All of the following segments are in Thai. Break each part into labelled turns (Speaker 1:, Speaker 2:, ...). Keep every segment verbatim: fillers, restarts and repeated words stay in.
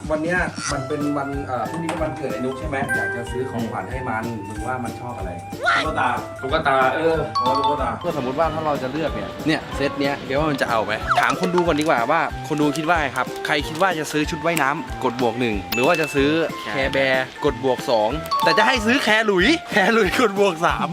Speaker 1: วันเนี้ยมันเป็นวันเอ่อพรุ่งนี้เป็นวันเกิดไอ้นุ๊กใช่ไหมอยากจะซื้อของขวัญให้มันมึงว่ามันชอบอะไรตุ๊กตาตุ๊กตาเออตุ๊กตาก็สมมติว่าถ้าเราจะเลือกเนี่ยเนี่ยเซตเนี้ยเดี๋ยวว่ามันจะเอาไหมถามคนดูก่อนดีกว่าว่าคนดูคิดว่าไงครับใครคิดว่าจะซื้อชุดว่ายน้ำกดบวกหนึ่งหรือว่าจะซื้อแคร์แบร์กดบวกสองแต่จะให้ซื้อแคร์หลุยแคร์หลุยกดบวกสาม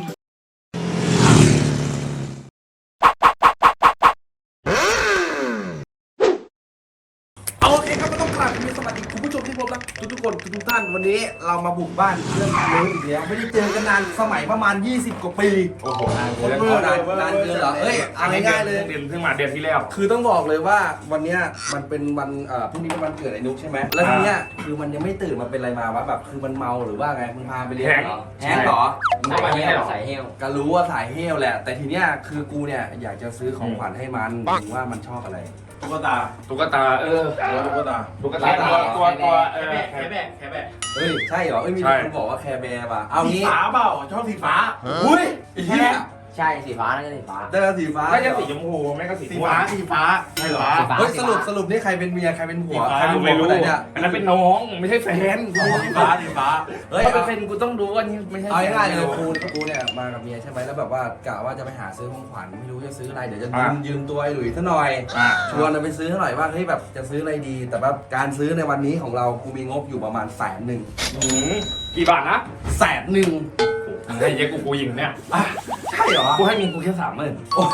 Speaker 1: โอเคครับก็ต้องกราบมีสวัสดีคุณผู้ชมที่พบรักทุกๆคนทุกท่านวันนี้เรามาบุกบ้านเพื่อนนุ้ยอีกแล้วไม่ได้เจอกันนานสมัยประมาณยี่สิบกว่าปีโอ้โหนานเกินนานนานเกินเหรอเอ้ยเอาง่ายๆเลย
Speaker 2: เดือนเพิ่งมาเดือนที่แล้ว
Speaker 1: คือต้องบอกเลยว่าวันเนี้ยมันเป็นวันเอ่อพรุ่งนี้เป็นวันเกิดไอ้นุ๊กใช่ไหมแล้วทีเนี้ยคือมันยังไม่ตื่นมันเป็นอะไรมาวะแบบคือมันเมาหรือว่าไงมึงพาไปเลี้ยงเหรอแฮงเหรอมึงพาไปเลี้ยงเหรอสายเฮลก็รู้ว่าสายเฮลแหละแต่ทีเนี้ยคือกูเนี่ยอยากจะซื้อของขวัญให้มันมึงว่ามันชอบอะไรตุ๊กตา
Speaker 2: ตุ๊กตาเออ
Speaker 1: ตุ๊กตา
Speaker 2: ตุ๊กตาตัวตัวตัวเออแคร์แบร์แคร์แบร์
Speaker 1: เฮ้ยใช่เหรอเอ้ยมีคนบอกว่าแคร์แบร์ป่ะเอางี้
Speaker 3: สีฟ้าเปล่าชอบสีฟ้า
Speaker 1: อุ้ยไอ้เหี้ย
Speaker 4: ใช่สีฟ้านั่นก็สีฟ้า
Speaker 1: แต่สีฟ้า
Speaker 2: ไม่ใช่สีชมพูไม่ก็สี
Speaker 3: สีฟ้าสีฟ้าใช่เหรอ
Speaker 1: เฮ้ยสรุปสรุปนี่ใครเป็นเมียใครเป็นผัวใครเป็นผัว
Speaker 2: ไม่รู้
Speaker 1: เนี่ย
Speaker 2: อันนั้นเป็นน้องไม่ใช่แฟน
Speaker 3: สีฟ้าสีฟ้า
Speaker 1: เฮ้ย
Speaker 2: ถ้าเป็นแฟนกูต้องรู้ว่านี่ไม่ใช่
Speaker 1: เอาง่ายๆเลยกูกูเนี่ยมากับเมียใช่ไหมแล้วแบบว่ากะว่าจะไปหาซื้อของขวัญไม่รู้จะซื้ออะไรเดี๋ยวจะยืมยืมตัวไอ้หลุยซะหน่อยชวนไปซื้อหน่อยว่าเฮ้ยแบบจะซื้ออะไรดีแต่แบบการซื้อในวันนี้ของเรากูมีงบอยู่ประมาณแสนหนึ่ง
Speaker 2: กี่บาทนะ
Speaker 1: แสนหนึ่ง
Speaker 2: ให้เยอะกูกูยิงเนี่ย
Speaker 1: ใช่เหรอ
Speaker 2: กูให้มีกูแค่สามหมื่น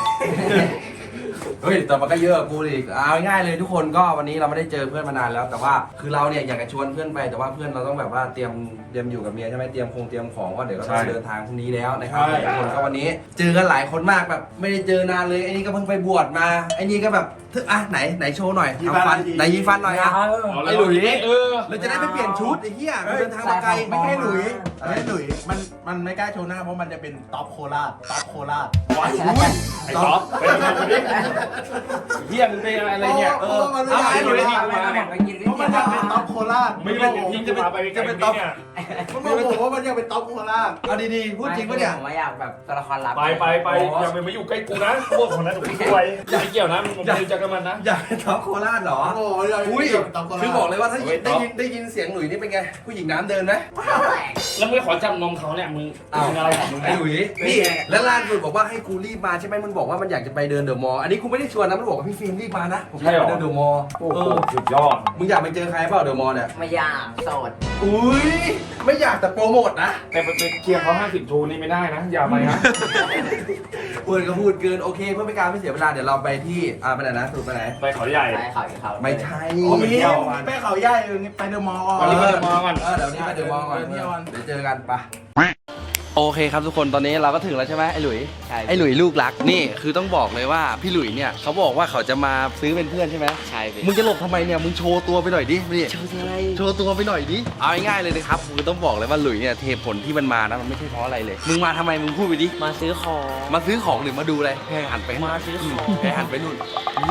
Speaker 1: เฮ้ยแต่มันก็เยอะกูอีกเอาง่ายๆเลยทุกคนก็วันนี้เราไม่ได้เจอเพื่อนมานานแล้วแต่ว่าคือเราเนี่ยอยากจะชวนเพื่อนไปแต่ว่าเพื่อนเราต้องแบบว่าเตรียมเตรียมอยู่กับเมียใช่ไหมเตรียมคงเตรียมของก็เดี๋ยวก็ต้องเดินทางพรุ่งนี้แล้วนะครับทุกคนก็วันนี้เจอกันหลายคนมากแบบไม่ได้เจอนานเลยไอ้นี่ก็เพิ่งไปบวชมาไอ้นี่ก็แบบอ่ะไหนไหนโชว์หน่อยทำฟันไหนยีฟันหน่อยอ่ะไอ้หลุยเออเราจะได้ไปเปลี่ยนชุดไอ้เหี้ยเดินทางมาไกล
Speaker 3: ไม่ใช่หลุยไม่ใช่หลุยมันมันไม่กล้าโชว์หน้าเพราะมันจะเป็นท็อปโคราชท็อปโคราช
Speaker 2: ว้ายไอ้ท็อปเป็นคนนี้เฮียมึงเป็นอะไรเนี่ยเออ
Speaker 3: เอาไอ้หลุยมาเพราะมันจะเป็นท็อปโคราช
Speaker 2: ไม่ได้ทิ้งจะมาไปจะเป็นท็อปเนี่ย
Speaker 3: มันบอกว่ามันจะเป็นท็อปโคราช
Speaker 1: เอาดีๆพูดจริงปะเนี่ย
Speaker 4: ผมอยากแบบตัวละครลับ
Speaker 2: ไปไปไปอย่าไปมาอยู่ใกล้กูนะพวกคนนั้นกูช่วยไม่เกี่ยวนะมึงไม่รู้จักกับมันนะ
Speaker 1: อยากเป็นท็อปโคราชเหรอ
Speaker 3: โอ้ย
Speaker 1: อุ้ยคือบอกเลยว่าถ้าได้ยินได้ยินเสียงหลุยนี่เป็นไงผู้หญิงน้ำเดินไหม
Speaker 2: แล้วมึงขอจับนมเขาเนี่ยมึงมึงอะไรของมึง
Speaker 1: ไอ้หลุยนี่แล้วล่าสุดบอกว่าให้กูรีบมาใช่ไหมมันบอกว่ามันอยากจะไปเดินเดอะมอลล์อันนี้กูไม่ได้ชวนนะมันบอกว่าพี่ฟิล์มรีบมานะผมอยากไปเดินเดอะมอลล์
Speaker 2: โอ้โหสุดยอด
Speaker 1: มึงอยากไปเจอใครเปล่าเดอะมอลล์เนี่ย
Speaker 4: ไม่อยากโสด
Speaker 1: อุ้ยไม่อยากแต่โปรโมทนะ
Speaker 2: แต่ไปเคลียร์เขาห้าสิบทูนี่ไม่ได้นะอย่าไปนะ
Speaker 1: พูดก็พูดเกินโอเคเพื่อไม่การไม่เสียเวลาเดี๋ยวเราไปที่อ่าไปไหนนะสรุปไปไหน
Speaker 2: ไปเขาใหญ่
Speaker 4: ไปเขาเขา
Speaker 1: ไม่ใช่
Speaker 3: ไปเที่ยวไปเขาใหญ่ไปเดอะมอลล์ก่อน
Speaker 2: ไปเดอะมอลล์ก่อน
Speaker 1: เออเดี๋ยวนี้ไปเดอะมอลล์ก่อนเดี๋ยวเจอกันปะโอเคครับทุกคนตอนนี้เราก็ถึงแล้วใช่ไหมไอ้หลุยไอ้หลุยลูกรักนี่คือต้องบอกเลยว่าพี่หลุยเนี่ยเขาบอกว่าเขาจะมาซื้อเป็นเพื่อนใช่ไหม
Speaker 4: ใช่
Speaker 1: มึงจะหลบทำไมเนี่ยมึงโชว์ตัวไปหน่อยดินี่
Speaker 4: โชว์อะไร
Speaker 1: โชว์ตัวไปหน่อยดิเอาง่ายๆเลยนะครับคือต้องบอกเลยว่าหลุยเนี่ยเหตุผลที่มันมานะมันไม่ใช่เพราะอะไรเลยมึงมาทำไมมึงพูดไปดิ
Speaker 4: มาซื้อของ
Speaker 1: มาซื้อของหรือมาดูอะไรแค่หันไป
Speaker 4: มาซื้อของ
Speaker 1: แค่หันไปนู่น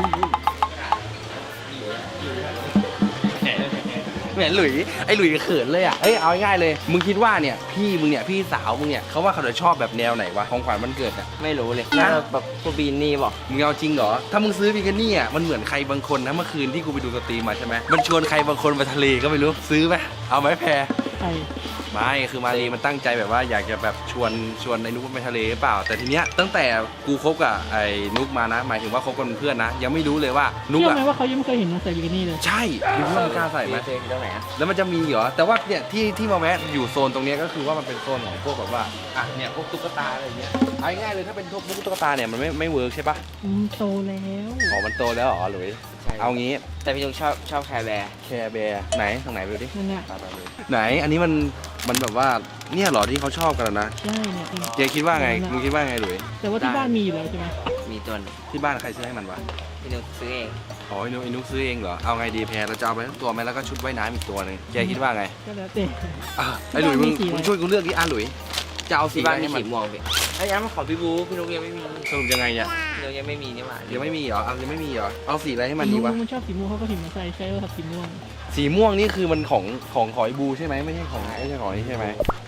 Speaker 1: เหมือนหลุยไอ้หลุยเขินเลยอ่ะเอ้ยเอาง่ายๆเลยมึงคิดว่าเนี่ยพี่มึงเนี่ยพี่สาวมึงเนี่ยเขาว่าเขาจะชอบแบบแนวไหนวะของขวัญวันเกิดอ่ะ
Speaker 4: ไม่รู้เลยน่าแบบพวกบีนนี่บอก
Speaker 1: มึงเอาจริงเหรอถ้ามึงซื้อบิกินี่อ่ะมันเหมือนใครบางคนนะเมื่อคืนที่กูไปดูสตรีมมาใช่ไหมมันชวนใครบางคนไปทะเลก็ไม่รู้ซื้อไหมเอาไหมแพรไม่คือมารีมันตั้งใจแบบว่าอยากจะแบบชวนชวนไอ้นุ๊กไปทะเลหรือเปล่าแต่ทีเนี้ยตั้งแต่กูคบกับไอ้นุ๊กมานะหมายถึงว่าคบกันเป็นเพื่อนนะยังไม่รู้เลยว่านุ๊กอะ
Speaker 5: เชื่อไหมว่าเขายังไม่เคยเห็นมันใส่บิกินี่เลย
Speaker 1: ใช่ดูว่ามันกล้าใส่ไหม
Speaker 4: ตรงไหนอะ
Speaker 1: แล้วมันจะมีเหรอแต่ว่าเนี่ยที่ที่มาแวะอยู่โซนตรงนี้ก็คือว่ามันเป็นโซนของพวกแบบว่าอ่ะเนี่ยพวกตุ๊กตาอะไรเงี้ยเอาง่ายเลยถ้าเป็นพวกตุ๊กตาเนี่ยมันไม่ไม่เวิร์กใช่ปะ
Speaker 5: อืมโตแล้ว
Speaker 1: อ๋อมันโตแล้วเหรอหรือเอางี้
Speaker 4: แต่พี่ลุงชอบชอบแคร์แบร์
Speaker 1: แคร์แบร์ไหนตรงไหนไปดูดิ
Speaker 5: นั่นแหละ
Speaker 1: ไหนอันนี้มันมันแบบว่าเนี่ยเหรอที่เขาชอบกันนะ
Speaker 5: ใช่เนี่ย
Speaker 1: เจ๊คิดว่าไงมึงคิดว่าไงหลุย
Speaker 5: แต่ว่าที่บ้านมีอยู่แล้วใช่ไหม
Speaker 4: มีตัว
Speaker 1: ที่บ้านใครซื้อให้มันวะ
Speaker 4: พี่นุ๊กซื้อเอง
Speaker 1: อ๋อไอ้นุ๊กไอ้นุ๊กซื้อเองเหรอเอาไงดีแพรเราจะเอาไปทั้งตัวไหมแล้วก็ชุดว่ายน้ำอีกตัวนึงเจ๊คิดว่าไง
Speaker 5: ก็แล้วแต่
Speaker 1: ไอ้หลุยมึงมึงช่วยกูเลือกดิอ่ะหลุยจะเอาสี
Speaker 4: บ้านมีสีม่วงพี่ไอ้ยังมาขอพี่บูพี่นุ๊กยังไม่มี
Speaker 1: สรุปยังไงเนี่ย
Speaker 4: พี่นุ๊กยังไม่มีนี่หว่า
Speaker 1: ยังไม่มีเหรอเอายังไม่มีเหรอเอาสีอะไรให้มันดีวะ
Speaker 5: มันชอบสีม่วงเขาก็ถิ่มมาใส่ใช่ว่าสีม่วง
Speaker 1: สีม่วงนี่คือมันของของขอยบูใช่ไหมไม่ใช่ของไม่ใช่ของนี่ใช่ไหม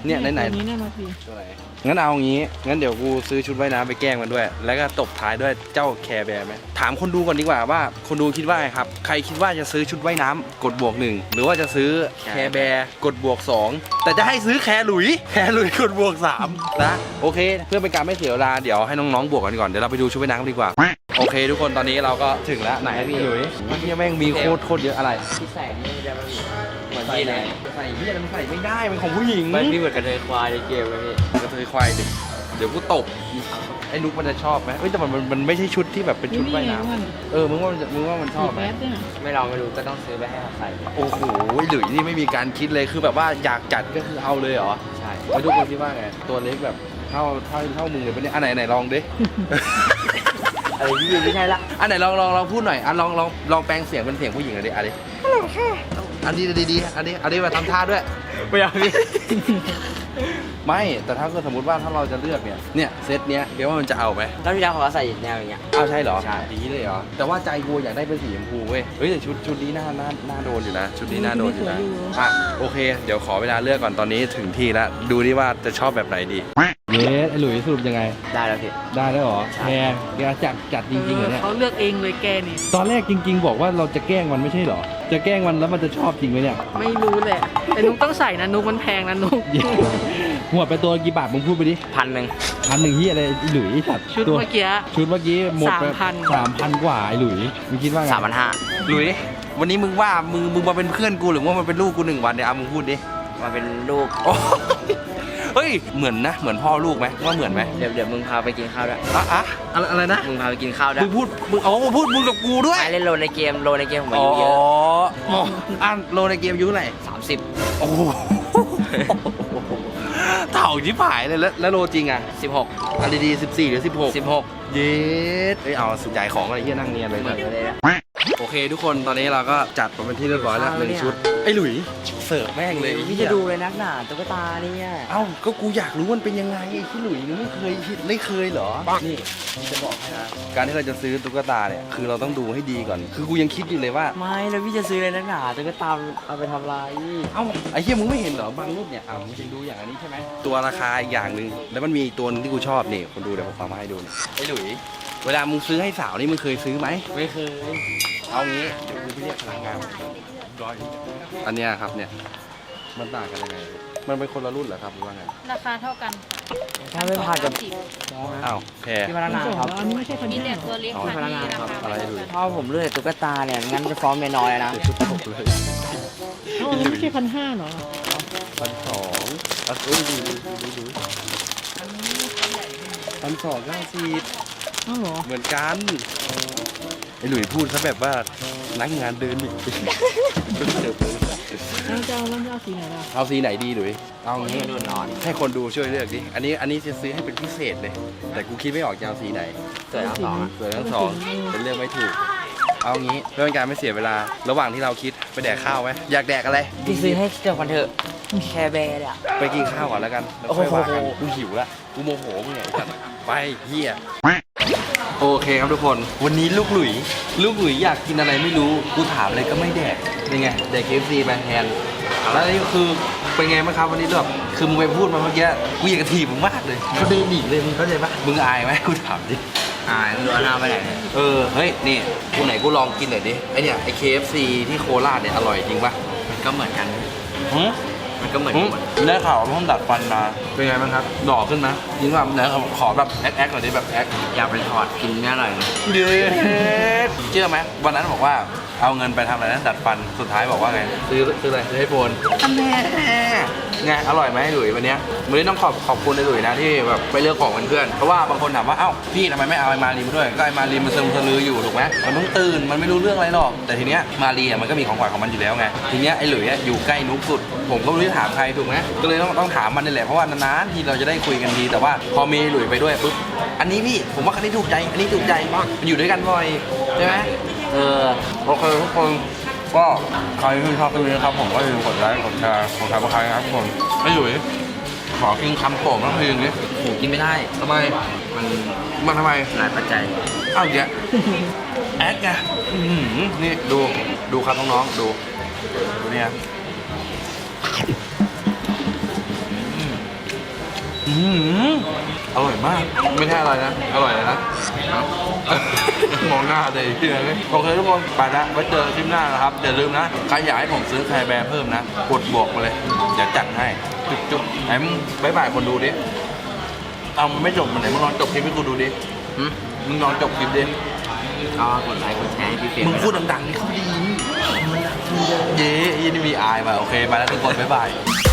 Speaker 1: เนี่ยไหน
Speaker 5: ตัวนี้น่ารักดี
Speaker 1: ๆตัวไหนงั้นเอางี้งั้นเดี๋ยวกูซื้อชุดว่ายน้ำไปแกล้งมันด้วย แล้วก็ตบท้ายด้วยเจ้าแคร์แบร์ไหมถามคนดูก่อนดีกว่าว่าคนดูคิดว่าไงครับใครคิดว่าจะซื้อชุดว่ายน้ำกดบวกหนึ่งหรือว่าจะซื้อแคร์แบร์กดบวกสองแต่จะให้ซื้อแคร์หลุยแคร์หลุยกดบวกสามนะโอเคเพื่อเป็นการไม่เสียเวลาเดี๋ยวให้น้องๆบวกกันก่อนเดี๋ยวเราไปดูชุดว่ายน้ำกันดีกว่าโอเคทุกคนตอนนี้เราก็ถึงแล้วไหนพี่หลุยพี่แม่งมีโคตรโคตรเยอะอะไร
Speaker 4: ที่ใส่นี่ได้ไหมพี่เหมือนพี่เลย
Speaker 1: ใส่พี่มันใส่ไม่ได้มันของผู้หญิง
Speaker 4: มันพี่เหมือนกระเทยควายในเกมเลยพี่
Speaker 1: กระเทยควายดิเดี๋ยวกูตบไอ้นุ๊กมันจะชอบไหมเอ้ยแต่มันมันมันไม่ใช่ชุดที่แบบเป็นชุดว่ายน้
Speaker 5: มัน
Speaker 1: ำเออมึงว่ามันจะมึงว่ามันช
Speaker 5: สี
Speaker 1: อบไห
Speaker 5: แบ
Speaker 1: ม
Speaker 5: ดเนี่ย
Speaker 4: ไม่ลองไม่รู้ก็ต้องซื้อไปให้เขาใส่
Speaker 1: โอ้โหหลุยนี่ไม่มีการคิดเลยคือแบบว่าอยากจัดก็คือเอาเลยเหรอ
Speaker 4: ใช่
Speaker 1: แล้วทุกคนคิดว่าไงตัวเล็กแบบเท่าเท่าเท่ามึงเลยปะเนี่ยอันไหนไหนลองดิ
Speaker 4: อะไรพี่ไม่ใช่ละ
Speaker 1: อันไหนลองลองลองพูดหน่อยอ่ะลองลองลองแปลงเสียงเป็นเสียงผู้หญิงหน่อยดิอันนี้อันนี้ดีดีๆอันนี้อันนี้มาทำท่าด้วย
Speaker 4: ไม่เอาพี่
Speaker 1: ไม่แต่ถ้าเกิดสมมติว่าถ้าเราจะเลือกเนี่ยเนี่ยเซตเนี้ยเดี๋ยวว่ามันจะเอาไหม
Speaker 4: แล้วพี่ดาวเขาใส่แนวอย่างเงี้ย
Speaker 1: เอาใช่เหรอ
Speaker 4: ใช่
Speaker 1: ดีเลยเหรอแต่ว่าใจกูอยากได้เป็นสีชมพูเว้ยเฮ้ยแต่ชุดชุดนี้น่าน่าน่าโดนอยู่นะชุดนี้น่าโดนอยู่นะอ่ะโอเคเดี๋ยวขอเวลาเลือกก่อนตอนนี้ถึงที่แล้วดูดิว่าจะชอบแบบไหนดีเยสไอหลุยสรุปยังไง
Speaker 4: ได้แล้วพี่
Speaker 1: ได้แล้วเหรอแพงแกจัดจัดจริงๆเหรอเนี่ย
Speaker 5: เขาเลือกเองเลยแกนี่
Speaker 1: ตอนแรกจริง ๆ บอกว่าเราจะแกล้งมันไม่ใช่เหรอจะแกล้งมันแล้วมันจะชอบจริงไหมเนี่ย
Speaker 5: ไม่รู้แหละ แต่นุ๊กต้องใส่นะนุ๊กมันแพงนะนุ๊ก
Speaker 1: หัวไปตัวกี่บาทมึงพูดไปดิ
Speaker 4: พันหนึ่ง
Speaker 1: พันหนึ่งที่อะไรไอ้หลุยสัตว์
Speaker 5: ชุด
Speaker 1: ตัว
Speaker 5: เมื่อกี้
Speaker 1: ชุดเมื่อกี้หมดไป
Speaker 5: สามพัน
Speaker 1: สามพันกว่าไอ้หลุยมึงคิดว่าไง
Speaker 4: สามพันห้า
Speaker 1: หลุยวันนี้มึงว่ามึงมึงมาเป็นเพื่อนกูหรือว่ามันเป็นลูกกูหนึ่งวันเนี่ยเอามึงพูดดิ
Speaker 4: มาเป็นลูก
Speaker 1: โอ้เฮ้ยเหมือนนะเหมือนพ่อลูกไหมว่าเหมือนไหม
Speaker 4: เดี๋ยวเดี๋ยวมึงพาไปกินข้าวด้วย
Speaker 1: อะอะอะไรอะไรนะ
Speaker 4: มึงพาไปกินข้าวด้ว
Speaker 1: มึ
Speaker 4: ย
Speaker 1: งพูดมึงเอามึงพูดมึงกับกูด้วย
Speaker 4: ไม่เล่นโลในเกมโลในเกมผมอา
Speaker 1: อ๋อ
Speaker 4: ยุเยอะ
Speaker 1: อ๋ออ่านโลในเกมอายุเท่าไหร่
Speaker 4: สามสิบ
Speaker 1: โอ้โหเถ่าชิบหายเลยแล้วแล้วโลจริงอ่ะ
Speaker 4: สิบหก
Speaker 1: อันดีๆสิบสี่หรือสิบหก
Speaker 4: สิบหก
Speaker 1: เย็ดเอ้ยเอาสุดใหญ่ของอะไรที่นั่งเนียนเลย
Speaker 4: เหมือนกันเลยนะ
Speaker 1: โอเคทุกคนตอนนี้เราก็จัดมาเป็นที่เรียบร้อยแล้วหนึ่งชุดไอ้หลุยเสิร์ฟแม่งเลย
Speaker 4: พี่จะดูเลยนักหนาตุ๊กตาเนี่ย
Speaker 1: เอ้าก็กูอยากรู้มันเป็นยังไงไอ้ที่หลุยนี่ไม่เคยไม่เคยเหรอนี่จะบอกให้นะการที่เราจะซื้อตุ๊กตาเนี่ยคือเราต้องดูให้ดีก่อน คือกูยังคิดอยู่เลยว่า
Speaker 4: ไม่แล้วพี่จะซื้อเลยนักหนาตุ๊กตาเอาไปทำลาย
Speaker 1: เอ้าไอ้เหี้ยมึงไม่เห็นเหรอบางรูปเนี่ยอ่ามึงจะดูอย่างอันนี้ใช่ไหมตัวราคาอีกอย่างหนึ่งแล้วมันมีอีกตัวนึงที่กูชอบนี่คนดูเดี๋ยวผมเอามาให้ดูนี่ไอ้หลุยเวลามึงซื้อให้สาวนี่มึงเคยซื้อไหม
Speaker 4: ไม่เคย
Speaker 1: เอางี้เดี๋ยวกูไปเรียกพนักงานร้อยอันเนี้ยครับเนี่ยมันต่างกันยังไงมันเป็นคนละรุ่นเหรอครับหรือว่าไง
Speaker 6: ราคาเท่ากัน
Speaker 4: ถ้าไม่ผ่านกับ
Speaker 1: อ้าวแพร
Speaker 4: พี่พนักงาน
Speaker 5: สอง
Speaker 4: ครับ
Speaker 5: แล้วอันนี้ไม่ใช่พัน
Speaker 6: มี
Speaker 5: ห้า
Speaker 6: แต่ตัวเล็ก
Speaker 1: อ๋อ
Speaker 6: ค่ะที่ราคา
Speaker 1: อะไร
Speaker 6: ไม่
Speaker 1: ดู
Speaker 6: เท่ากัน
Speaker 4: ถ้าผมเลือกตุ๊กตาเนี่ยงั้นจะฟ้องเมียน้อยเลยนะ
Speaker 1: เจ็ดชุดหกเลย
Speaker 5: เอ้าอันนี้ไม่ใช่พันห้าเหรอ
Speaker 1: พันสองอ่ะดูดูดูดูดูพันสองเก้าสิบ
Speaker 5: เอ้าเหรอ
Speaker 1: เหมือนกันไอ้หลุยพูดซะแบบว่านักงานเดินอีก
Speaker 5: แล้วจะเอาแล้วจะเอาสีไหนล่ะ
Speaker 1: เอาสีไหนดีหลุยเอางี้
Speaker 4: ดูนอน
Speaker 1: ให้คนดูช่วยเลือกดิอันนี้อันนี้จะซื้อให้เป็นพิเศษเลย แต่กูคิดไม่ออกจะเอาสีไหน
Speaker 4: สวยทั้งสองอะ
Speaker 1: สวยทั้งสองเป็นเรื่องไม่ถูก เอางี้เพื่อเป็นการไม่เสียเวลา ระหว่างที่เราคิดไปแดกข้าวไหมอยากแดกอะไร
Speaker 4: พี่ซื้อให้เดี๋ยวกันเถอะแคร์แบร์เนี่ย
Speaker 1: ไปกินข้าวก่อนแล้วกันแล้วค่อยว่ากันกูหิวละกูโมโหมึงไงไอ้สัตว์ไปเฮียโอเคครับทุกคน วันนี้ลูกหลุยลูกหลุยอยากกินอะไรไม่รู้กูถามอะไรก็ไม่แดกเป็นไงแดก เค เอฟ ซี ไปแทนแล้วนี่คือเป็นไงบ้างครับวันนี้แบบคือมึงไปพูดมาเมื่อกี้กูอยากกระถีบมึงมากเลยเขาเดินหนีเลยมึงเข้าใจปะมึงอายไหมกูถามดิ
Speaker 4: อ่าไม่รู้เอาหน้าไปไหนเนี่ย
Speaker 1: เออ เฮ้ย นี่ กูไหนกูลองกินหน่อยดิ ไอเนี่ย ไอ เค เอฟ ซี ที่โคราชเนี่ย อร่อยจริงปะ
Speaker 4: มันก็เหมือนกัน
Speaker 1: หืม
Speaker 4: มันก็เหมือน
Speaker 1: หืม
Speaker 4: กัน
Speaker 1: ได้ข่าวว่าเพิ่งดัดฟันมา เป็นไงบ้างครับหล่อขึ้นไหมจริงป่ะไหนขอแบบแอคแอคหน่อยดิแบบแอค
Speaker 4: อยากไปถอดกินแม่อร่อยนะ
Speaker 1: เดี๋ยวเชื่อไหมวันนั้นบอกว่าเอาเงินไปทำอะไรนะดัดฟัน สุดท้ายบอกว่าไง ซื้อซื้ออะไร ซื้อไอโฟนอันแน่ไง อร่อยไหมหลุยวันเนี้ยวันนี้ต้องขอบขอบคุณไอหลุยนะที่แบบไปเลือกของเพื่อนๆเพราะว่าบางคนถามว่า เอ้า พี่ทำไมไม่เอาไอมารีมาด้วย ก็ไอมารีมันซึมสลืออยู่ถูกไหมมันเพิ่งตื่น มันไม่รู้เรื่องอะไรหรอก แต่ทีเนี้ยมารีอ่ะมันก็มีของขวัญของมันอยู่แล้วไง ทีเนี้ยไอหลุยอ่ะอยู่ใกล้นุ๊กสุด ผมก็ไม่รู้จะถามใครถูกไหมก็เลยต้องต้องถามมันนี่แหละ เพราะว่านานๆทีเราจะได้คุยกันที แต่ว่าพอมีหลุยไปด้วยปุ๊บ อันนี้พี่ ผมว่าคันนี้ถูกใจ อันนี้ถูกใจมากมันอยู่ด้วยกันบ่อยใช่ไหมเออ โอเคทุกคน ก็ใครที่ชอบคลิปนี้นะครับผมก็อย่าลืมกดไลค์กดแชร์กดซับสไครต์นะครับทุกคนไอ้หลุยขอกินคำโปรดทั้งเพลงนี้
Speaker 4: โอ้กินไม่ได้
Speaker 1: ทำไม
Speaker 4: มัน
Speaker 1: มันทำไม
Speaker 4: หลายปัจจัย
Speaker 1: อ้าวเดี๋ยวแอดไงอื้อหือนี่ดูดูครับน้องๆดูดูเนี่ยอืม
Speaker 2: อร่อยมาก ไม่ใช่อะไรนะ อร่อยเลยนะ มองหน้าเลยพี่เลยโอเคทุกคนไปแล้วไว้เจอคลิปหน้านะครับอย่าลืมนะใครอยากให้ผมซื้อแคร์แบร์เพิ่มนะกดบอกมาเลยเดี๋ยวจัดให้จุ๊บจุ๊บไหนมึงบ๊ายบายคนดูดิเอามึงไม่จบมันไหนมึงลองจบคลิปให้กูดูดิ
Speaker 4: หึ
Speaker 2: มึงลองจบคลิปดิ
Speaker 4: ก็กดไลค์กดแชร์ให้พี่เฟรม
Speaker 2: มึง
Speaker 4: ด้วยนะ
Speaker 2: พูดดังๆนี่เขาดีเย้ยี่นี่มีอายมาโอเคไปแล้วทุกคนบ๊ายบาย